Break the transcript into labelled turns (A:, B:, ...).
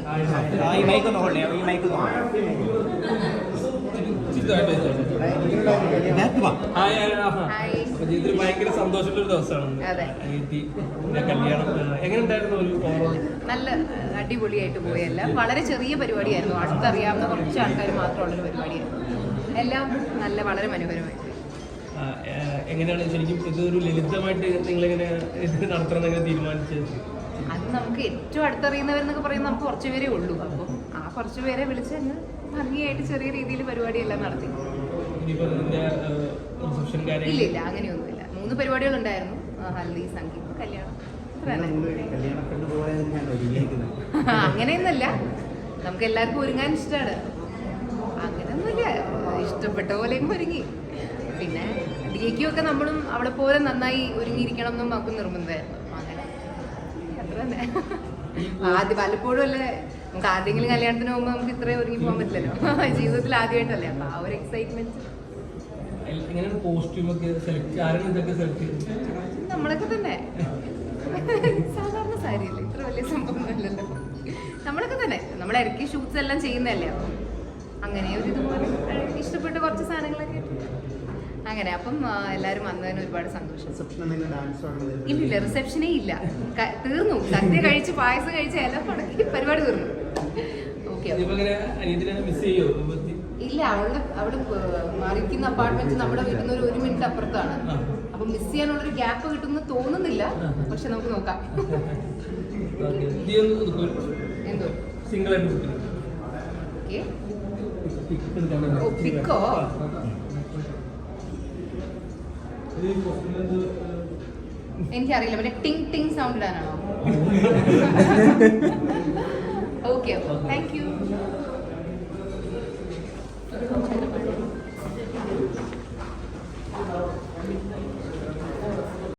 A: ഈ മൈക്ക് ഒന്ന് ഹോൾഡ് ചെയ്യാം. ഈ മൈക്ക്
B: ജീവിതത്തിൽ ഭയങ്കര സന്തോഷമുള്ള ഒരു ദിവസമാണ് കല്യാണം. എങ്ങനെ ഉണ്ടായിരുന്നു ഒരു ഓവറോൾ?
C: നല്ല അടിപൊളിയായിട്ട് പോയല്ല, വളരെ ചെറിയ പരിപാടിയായിരുന്നു. അടുത്തറിയാവുന്ന കുറച്ച് ആൾക്കാർ മാത്രമുള്ളൊരു പരിപാടിയായിരുന്നു. എല്ലാം നല്ല വളരെ മനോഹരമായിട്ട്.
B: എങ്ങനെയാണ് ശരിക്കും ഇതൊരു ലളിതമായിട്ട് നിങ്ങളെങ്ങനെ ഇത് നടത്തണം എങ്ങനെ തീരുമാനിച്ചത്?
C: അത് നമുക്ക് ഏറ്റവും അടുത്തറിയുന്നവരെന്നൊക്കെ പറയുന്നത് നമുക്ക് കുറച്ച് പേരേ ഉള്ളൂ. അപ്പം ആ കുറച്ച് പേരെ വിളിച്ച് അങ്ങ് ഭംഗിയായിട്ട് ചെറിയ രീതിയിൽ പരിപാടിയെല്ലാം നടത്തി. ഇല്ല ഇല്ല, അങ്ങനെയൊന്നുമില്ല. 3 പരിപാടികളുണ്ടായിരുന്നു: ഹൽദി, സംഗീതം, കല്യാണം. അങ്ങനെയൊന്നുമല്ല, നമുക്ക് എല്ലാവർക്കും ഒരുങ്ങാൻ ഇഷ്ടമാണ്. അങ്ങനെയൊന്നുമില്ല, ഇഷ്ടപ്പെട്ട പോലെയും ഒരുങ്ങി. പിന്നെ ഡിക്കും നമ്മളും അവളെ പോലെ നന്നായി ഒരുങ്ങിയിരിക്കണം എന്നും നമുക്ക് നിർബന്ധമായിരുന്നു. അങ്ങനെ അത്ര തന്നെ. ആദ്യം പലപ്പോഴും അല്ലേ നമുക്ക് ആരുടെങ്കിലും കല്യാണത്തിന് പോകുമ്പോൾ നമുക്ക് ഇത്രയും ഒരുങ്ങി പോകാൻ പറ്റില്ലല്ലോ. ജീവിതത്തിൽ ആദ്യമായിട്ടല്ലേ, അപ്പൊ ആ ഒരു എക്സൈറ്റ്മെന്റ്. നമ്മളൊക്കെ തന്നെ സാധാരണ സാരിയല്ലേ, ഇത്ര വലിയ സംഭവമൊന്നുമല്ലല്ലോ. നമ്മളൊക്കെ തന്നെ നമ്മൾ ഇടയ്ക്ക് ഷൂട്ട്സ് എല്ലാം ചെയ്യുന്നതല്ലേ, അപ്പം അങ്ങനെ ഒരു ഇതുപോലെ ഇഷ്ടപ്പെട്ട കുറച്ച് സാധനങ്ങളൊക്കെ അങ്ങനെ. അപ്പം എല്ലാവരും വന്നതിന് ഒരുപാട് സന്തോഷം. ഇല്ലില്ല, റിസപ്ഷനേ ഇല്ല, തീർന്നു. സദ്യ കഴിച്ച് പായസം കഴിച്ച് എല്ലാം മുടക്കി പരിപാടി തീർന്നു. ഓക്കെ. ഇല്ല, അവിടെ മറിക്കുന്ന അപ്പാർട്ട്മെന്റ് നമ്മുടെ വീട്ടിൽ നിന്ന് ഒരു മിനിറ്റ് അപ്പുറത്താണ്. അപ്പൊ മിസ് ചെയ്യാനുള്ളൊരു ഗ്യാപ്പ് കിട്ടുമെന്ന് തോന്നുന്നില്ല, പക്ഷെ നമുക്ക് നോക്കാം. എന്തോ പിക്കോ? എനിക്കറിയില്ല, മറ്റേ ടിങ് ടിങ് സൗണ്ട് ഇടാനാണോ? Okay, thank U.